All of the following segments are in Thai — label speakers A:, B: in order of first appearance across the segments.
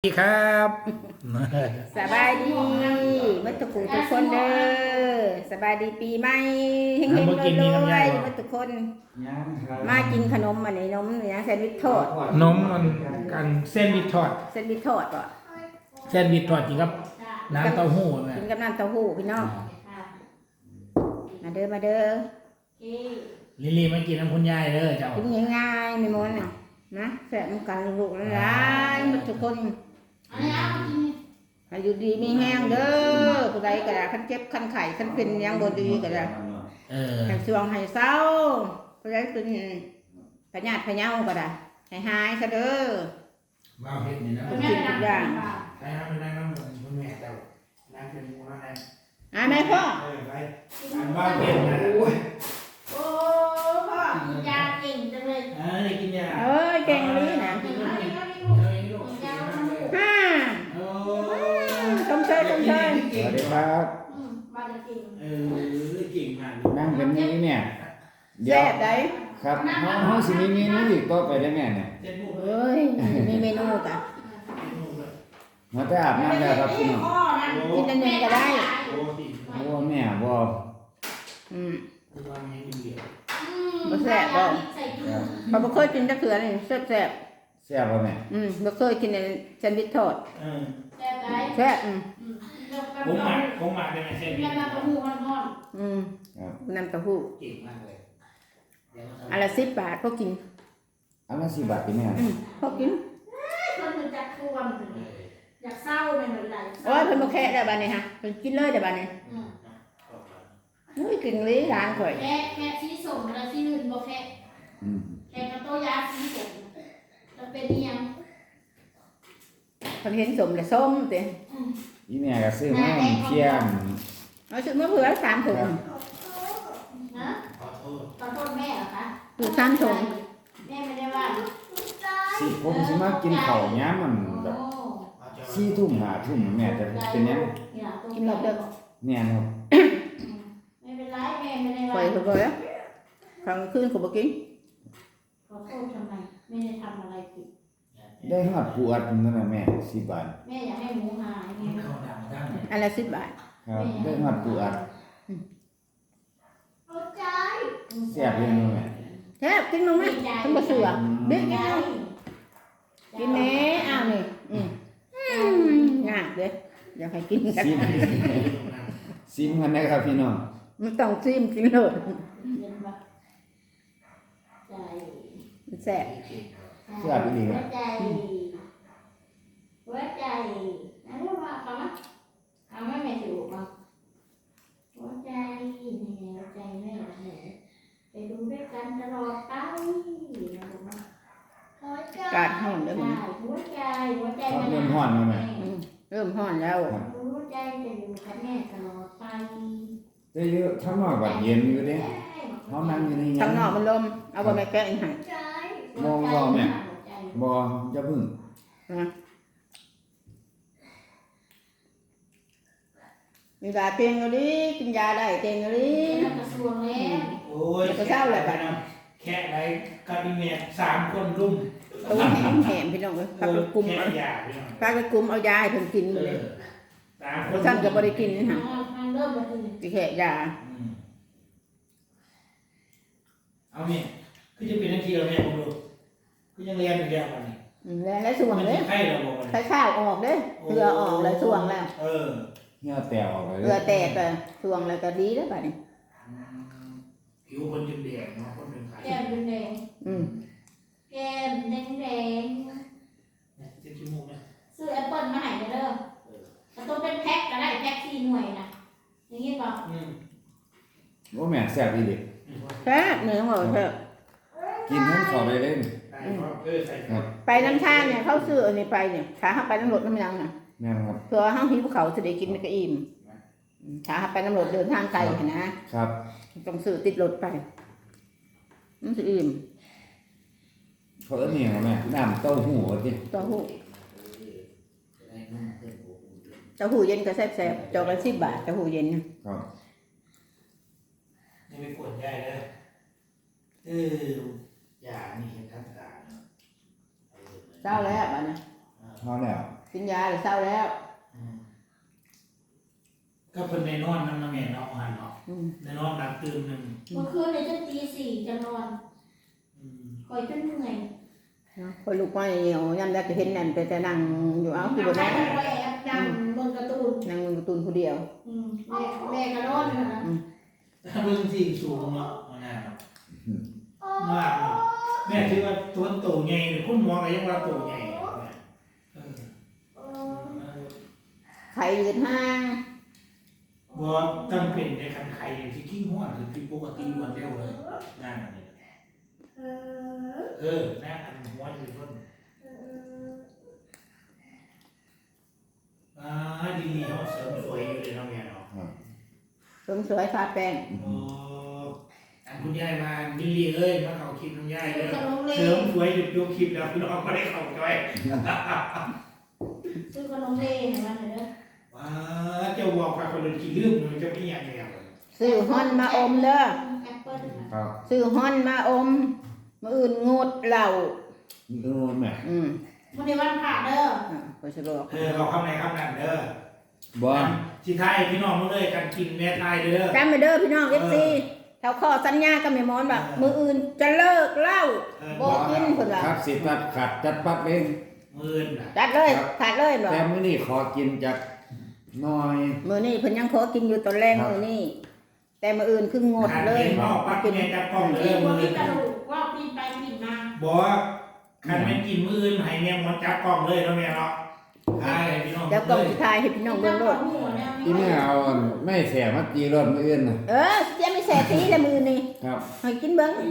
A: สวัสดีครับ
B: สบายดีมัตุกูทุกคนเด้อสบายดีปีใหม่เฮงๆรวยๆมัตุกคนมากินขนมอันนี้นมเนี่ยแซนด์วิชทอด
A: นมมันกันเส้นวิททอด
B: แซนด์วิชทอดป่ะ
A: เส้นวิททอดจริงครับน้ำเต้าหู้นะ
B: กินกับน้ำเต้าหู้พี่น้องมาเด้อมาเด้อ
A: ลิลลี่มากินน้ำคุณยายเด้อเจ้า
B: กินง่ายๆไม่ม้วนนะแซ่บกันลูกหลานมัตุกคนอายุดีมีแห้งเด้อผู้ใดก็ได้คันเจ็บคันไข้คันเป็นยังบ่ดีก็ได้ให้ช่วงให้เศร้าผู้ใดเป็นพญาติพะเยาก็ได้ให้หายซะเด้อ
A: บ้าเฮ็ดนี่นะ
B: ทุกสิ่งทุกอย่าง
A: ไปหาไปนั่งน้ำคุณแม่เจ้านั่งเป็นมูนั่นแหละ
B: แม่พ่อ
A: ไปบ้าเฮ็ดนะ
C: โอ้พ่อกินยาเก่งจังเลย
A: กินยา
B: เก่งนี้นะชมเชยชมเชย
D: สวัสดีครับ
C: มาจะกิน
A: เก่งมาก
D: นั่งเป็นนี้เนี่ย
B: แซ่บได้
D: ครับห้องสิมีเมนูอีกต่อไปได้แม่เนี่ย
B: เฮ้ยมีเมนูจ้ะ
D: มาแต่อาบน้ำแล้วครับพี่น้อง
B: กินอันหนึ่งก็ได้
D: บัวแม่บัว
B: บ่แซ่บบ่เขาบ่เคยกินจักเทื่อนี่แซ่บ
D: แซ่บป่ะแม่
B: บ่เคยกินแซนด์วิชทอดแซ่บ
A: ผมหมักได้ไหมเส้นวิท
C: น้ำเต้าหู้มันทอด
B: น้ำเต้าหู้
A: เก่งมากเลย
B: อันละ10 บาทพอกิน
D: อันละ10 บาทพี่แม่
B: พอกิน
C: มันจะทวมอยากเศร้าเป็นเหมือนไร
B: โอ้ยเพิ่นบ่แค่ได้บัดนี้ฮะเพิ่นกินเลยได้บัดนี้อุ้ยกินเลยร้านข่อย
C: แค่สีส้มแล้วสีอื่นบ่แค่กระโตยาสีส้มจะเป็นยัง
B: เพิ่นเห็นสมแล้วส้มติ
D: อีแม่ก็ซื้อมาเคี่ยม
B: เอาซื้อมาเผื่อ3 ถุง
C: นะขอโทษแม่เหรอคะ
B: คือ3 ถุง
C: แม่ไม่ได้ว่า
D: สิผมสิมากินข้าวย้ำมันแบบ4 ทุ่ม5 ทุ่มแม่จะเป็นยัง
B: กินหมดเด้อ
D: แม่ครับ
C: ไม่เป็นไรแม่ไม่ได้ว่า
B: ไปเถอะกลางคืนก็บ่กิน
C: ขอโทษทำไมไม่ได้ทำอะไรผิด
D: ได้ฮอดปูอัดนั่นน่ะแม่10 บาท
C: แม่อยากให้หมูหายแม่
B: อันละ10 บาท
D: ครับได้ฮอดปูอัดแซ่บเลยแม่
B: แซ่บกินมั้ยเพิ่นบ่เสือเด็กกินแม่อ้าวนี่ยากเด้ออยากให้กินกัน
D: ซิมกันนะครับพี่น้อง
B: มันต้องซิมกินเลยมันแซ่บ
D: แซ่บดีครับ
C: หัวใจนั่นเรียกว่าคำว่าคำว่าแม่ถูกมั้งหัวใจนี่หัวใจแม่ไปดูด้วยกันตลอดไป
B: การห้องเด้อมัน
C: หัวใจ
D: มันเริ่มฮ้อนแล้วแม่
B: เริ่มฮ้อนแล้ว
C: หัวใจจะอยู่กับแม่ตลอดไป
D: ได้เยอะข้างนอกก็เย็นอยู่เด้เฮานั่งอยู่ใน
B: ข้างนอกมันลมเอาบ่แม่แกะอีกให้
D: บ่แม่บ่อย่าพึ่ง
B: มียาเตียงอยู่ดิกินยาได้เตียงอยู่ดิ
C: กระทรวงแล้ว
A: โอ้ยก็เศร้าเลยบัดนั้นแค่ไรกับอีเมีย3 คนรุม
B: ตัวแหมพี่น้องเอ้ยพาไปกุมเอาพาไปกุมเอายาให้เพิ่นกินเลยท่านก็บ่ได้กินนี่ฮะสิแค่ยา
A: เอาแม่คือจะเป็นทังทีเราแม่ผมดูคือยังเรียนอยู่แล้วบัดนี้
B: แล้วส่วงเด้
A: ไข้เราบ่
B: ไข้ข้าวออกเด้เหือออกแล้วส่วงแล้ว
D: เหงื่อแตกออกเลย
B: เหือแตกก็ส่วงแล้วก็ดีแล้วบัดนี้
A: ผิวคนแดงเนาะคนเป็นไข้
C: แก้มแดงแก้มแดง
A: เจ็บจมูกนะ
C: ซื้อแอปเปิ้ลมาให้เด้อแต่ต้องเป็นแพ็คก็ได้แพ็ค4 หน่วยนะอย่างนี้ป่ะ
D: บ่แม่แซ่บอีหลี
B: แซ่บเนื้อหมูแซ่บ
D: กินทั้งขอได้เล่น
B: ไปน้ำทางเนี่ยเขาซื้ออันนี้ไปเนี่ยขาหักไปน้ำรถน้ำยังน่ะ
D: แม่ครับ
B: เพื่อห้างหิวเขาจะได้กินมันก็อิ่มขาหักไปน้ำรถเดินทางไกลนะครับต้องซื้อติดรถไปมันจะอิ่ม
D: เขาเอิ้นนี่แม่น้ำเต้าหู้ติ
B: เต้าหู้เย็นก็แซ่บๆจอกละ10 บาทเต้าหู้เย็น
D: ครับ
A: นี่ไปกดได้เลยอย่านี่เห็นทักษะ
B: เจ้าแล้วบัดนี้
D: พอแล้ว
B: กินยาหรือเศร้าแล้ว
A: ก็เพิ่นในนอนนั่นนะแม่เนาะหันเนาะในนอนดับตื่นนึง
C: เมื่อคืนเนี่ยจะตี 4จะนอนคอยจนเหนื่อย
B: คนลูกไม่เหี่ยวยำได้จะเห็นนั่นแต่นั่งอยู่เอาคือบ่
C: แม่
B: ได้
C: ก็แอบนั่งเบิ่งการ์ตูน
B: นั่งมึงการ์ตูนผู้เดียว
C: แม่ก็นอนอยู่นะ
A: ถ้าเบิ่งที่สูงเนาะมันน่าเนาะมากเนาะแม่คิดว่าตัวโตใหญ่คุณหมอก็ยังว่าโตใหญ่
B: ไข่ยืดห้าง
A: บ่จำเป็นในคันไข่ที่ขี้หัวหรือที่ปกติรวดเร็วเลยนั่นนี่นั่นอันหัวอยู่ต้นดีๆเขาเสริมสวยอยู่เลยเนาะแม่เนาะ
B: เสริมสวยทาแป้ง
A: อันคุณยายมาดิลีเอ้ยมาเขาคลิปคุณยายเลยเสริมสวยหยุดดูคลิปแล้วพี่น้องก็ได้เข้าใจ
C: ซื้อขนมเล่ให้มันเลยเด้อ
A: ว้าเจ้าบอกว่าคนเดินกี่ลืมมันจะไม่ยังไง
B: ซื้อฮอนมาอมเด้อ
C: แอปเปิ้ล
D: ครับ
B: ซื้อฮอนมาอมมื้ออื่นงดเหล้า
D: ดูแม่
C: วันนี้วันพระเด้อ
B: ก็สิบอก
A: เราเข้าในคำนั้นเด้อ
D: บ่
A: สิทายพี่น้องมาเลยกันกินแม่ทายเด้อ
B: จำไว้เด้อพี่น้อง FC เท่าข้อสัญญากับแม่หมอนว่ามื้ออื่นจะเลิกเหล้าบ่กินเพิ่นว่า
D: ครับสิตัดขัดจัดปั๊บเอง
A: มื่น
B: ตัดเลยขาดเลยบ่
D: แต่มื้อนี้ขอกินจักหน่อย
B: มื้อนี้เพิ่นยังขอกินอยู่ตอนแรกมื้อนี้แต่มื้ออื่นคืองดเลย
A: พ่อปักแม่จับกล้องเลย
C: กิน
A: มื
C: บ่
A: อ
C: มีกระดูกว่าปีนไปปีนมา
A: บอกคันไม่กินมื่นให้แม่มันจับกล้องเลยแล้วแม่เนาะทายพี่น้อง
B: แล้วกล่องสุดท้ายให้พี่น้องเบิ่งโลด
D: อีแม่เอาไม่แสมาตีรถมื้ออื่นน่ะ
B: จะไม่แสตีละมื้อนี้
D: ครับ
B: ให้กินเบิ่ง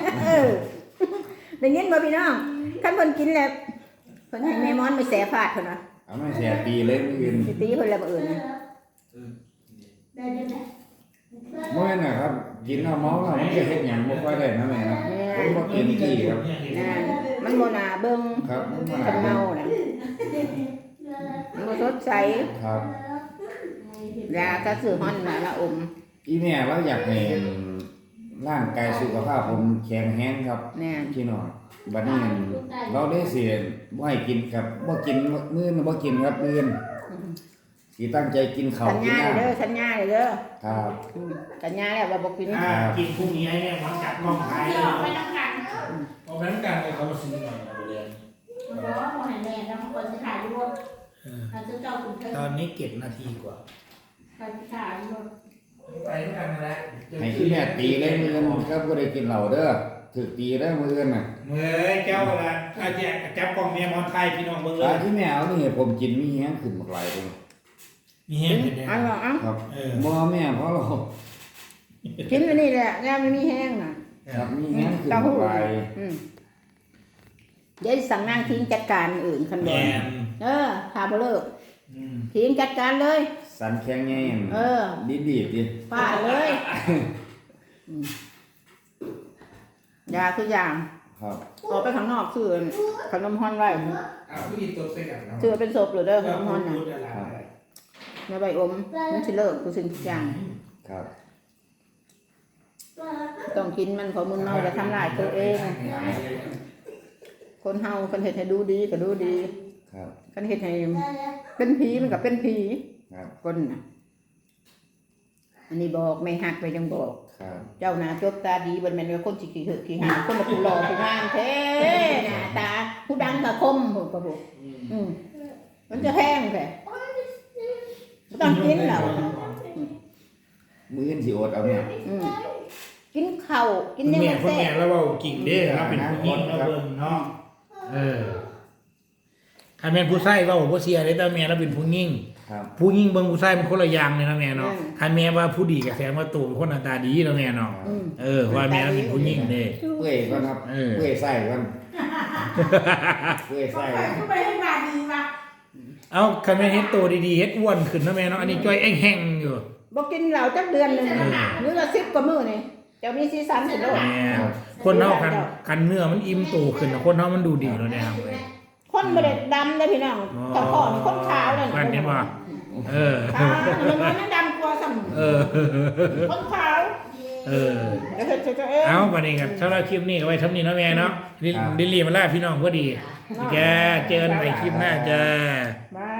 B: ได้ยินบ่พี่น้องคันเพิ่นกินแล้วเพิ่นให้แม่มอนไปแสฟาดเพิ่นว่า
D: เอาไม่แสตีเลยมื้ออื่น
B: สิตีเพิ่นแล้วมื้ออื่นนะ
C: ได้ได้ไหม
D: บ่แม่นน่ะครับ กินแล้วเมาแล้วมันจะเฮ็ดหยังบ่ค่อยได้นะแม่นะผมบ่กินกี้ครับ
B: นั่นมันบ่น่าเบิ่ง
D: ครับมันมา
B: คันเมาน่ะมันบ่สดใส
D: ครับ
B: ยาก็ซื้อฮ้อนมาละอม
D: อีแม่เราอยากให้ร่างกายสุขภาพผมแข็งแรงครับ
B: แน่น
D: พี่น้องบัดนี้เราได้สิบ่ให้กินครับบ่กินมื้อนี้บ่กินครับมื้อนี้สิตั้งใจกินข้าว
B: สัญ
D: กิน
B: ญา
D: น้ำ
B: เด้อสัญญาเด้อ
D: ครับ
B: สัญญาแล้วว่าบ่กิน
A: กินพรุ่งนี้ให้แม่มันจับกล้องถ่าย
C: เดี๋ยวไปนั่งกัน
A: เอาไปน้ำกันเลยเขามาซื้อหน่อยเรียน
C: มันบอกว่าคนไหนแม่แล้วมันควรจะถ่ายรูปเราจะเจ้าคุณเพิ่ม
A: ตอนนี้7 นาทีกว่า
C: ใครถ่ายรูป
A: ไปด้วยกันนั่นแหละ
D: ให้อีแม่ตีเลยมื้อนี้ครับบ่ได้กินเหล้าเด้อถูกตีได้อมื้อนี้น่ะ
A: เมื่อเจ้าละอาจารย์จับกล้องแม่มอนไทยพี่น้องเบิ่งเล
D: ตาย ที่แม่เอานี่ให้ผมกินมีแฮงขึ้นบักหลายเลย
A: มีเห็นเป็น
B: เอาเอา
D: ครับบ่แม่เพราะเรา
B: กินอันนี้แหละยามมันมีแห้งน่ะ
D: ครับมีแฮงขึ้นบักหลาย
B: เดี๋ยวสั่งนางทิ้งจัดการอื่นคันบ่
A: แม่
B: ถ้าบ่เลิกทิ้งจัดการเลย
D: สันแข็งแง่ง ดีดิ
B: ฟาดเลยยาคืออย่าง
D: ครับ
B: ออกไปข้างนอกซื้อขนมฮอนไว้
A: เอาผู้หญิงตัวใส่กันเนาะ
B: ซื้อเป็นศพหรือเด้อขนมฮอนน่ะ
A: ครับ
B: ในใบอมมันสิเลิกทุกสิ่งทุกอย่าง
D: ครับ
B: ต้องกินมันพอมึนเมาจะทำลายตัวเอง คนเฮาคนเฮ็ดให้ดูดีก็ดูดี
D: ครับ
B: คนเฮ็ดให้เป็นผีมันก็เป็นผี
D: ครับ
B: คนน่ะอันนี้บอกไม่หักไปจังบอก
D: ครับ
B: เจ้าหน้าจบตาดีบ่แม่นว่าคนสิขี้เหอะขี้หาคนละผู้หล่อผู้งามแท้หน้าตาผู้ดังก็คมโหก็บ่มันจะแห้งแท้บ่ต้องกินแล้ว
D: มื้อนี้สิอดเอาแม่
B: กินข้าวกิน
A: คุณ
B: เนี่ย
A: แม่
B: มัน
A: คุณ
B: แซ่
A: แม่
B: บ
A: แล้วว่ากิ่งเด้เราเป็นผู้หญิงเราเบิ่งเนาะใครเป็นผู้ชายว่าบ่เสียเลยแต่แม่เราเป็นผู้หญิง
D: ครับ
A: ผู้หญิงเบิ่งผู้ชายมันคนละอย่างเลยนะแม่เนาะใครแม่ว่าผู้ดีก็แสดงว่าตัวเป็นคนหน้าตาดีแล้วแม่เนาะว่าแม่เราเป็นผู้หญิงเด้
D: เปื่อยก่อนครับเปื่อยไส้ก่อนเปื่อยไส้
C: ก็ไปให้มาดีมา
A: เอาคันแม่เฮ็ดโตดีๆเฮ็ดอ้วนขึ้นนะแม่เนาะอันนี้จ้อยแห้งๆอยู่
B: บ่กินเหล้าจักเดือนนึงหรือละ10กว่ามื้อนี่เจ้ามีสีสันสิโลด
A: แม่คนเฮาคันเนื้อมันอิ่มโตขึ้นนะคนเฮามันดูดีแล้วเนี่ยครับเว้ย
B: คนบ่ได้ดำเด้อพี่น้องตะขอนี่คนขาวเลย
A: กันเห็นบ่
B: ขาวมันดำกว่าซ้ํคนขาวแล้วเฮ็ดเจ้าเอง
A: เอาบัดนี้กันสำหรับคลิปนี้ก็ไว้เท่านี้เนาะแม่เนาะลิลลี่มาลาพี่น้องพอดีแกเจอกันใหม่คลิปหน้าจ้า
B: บาย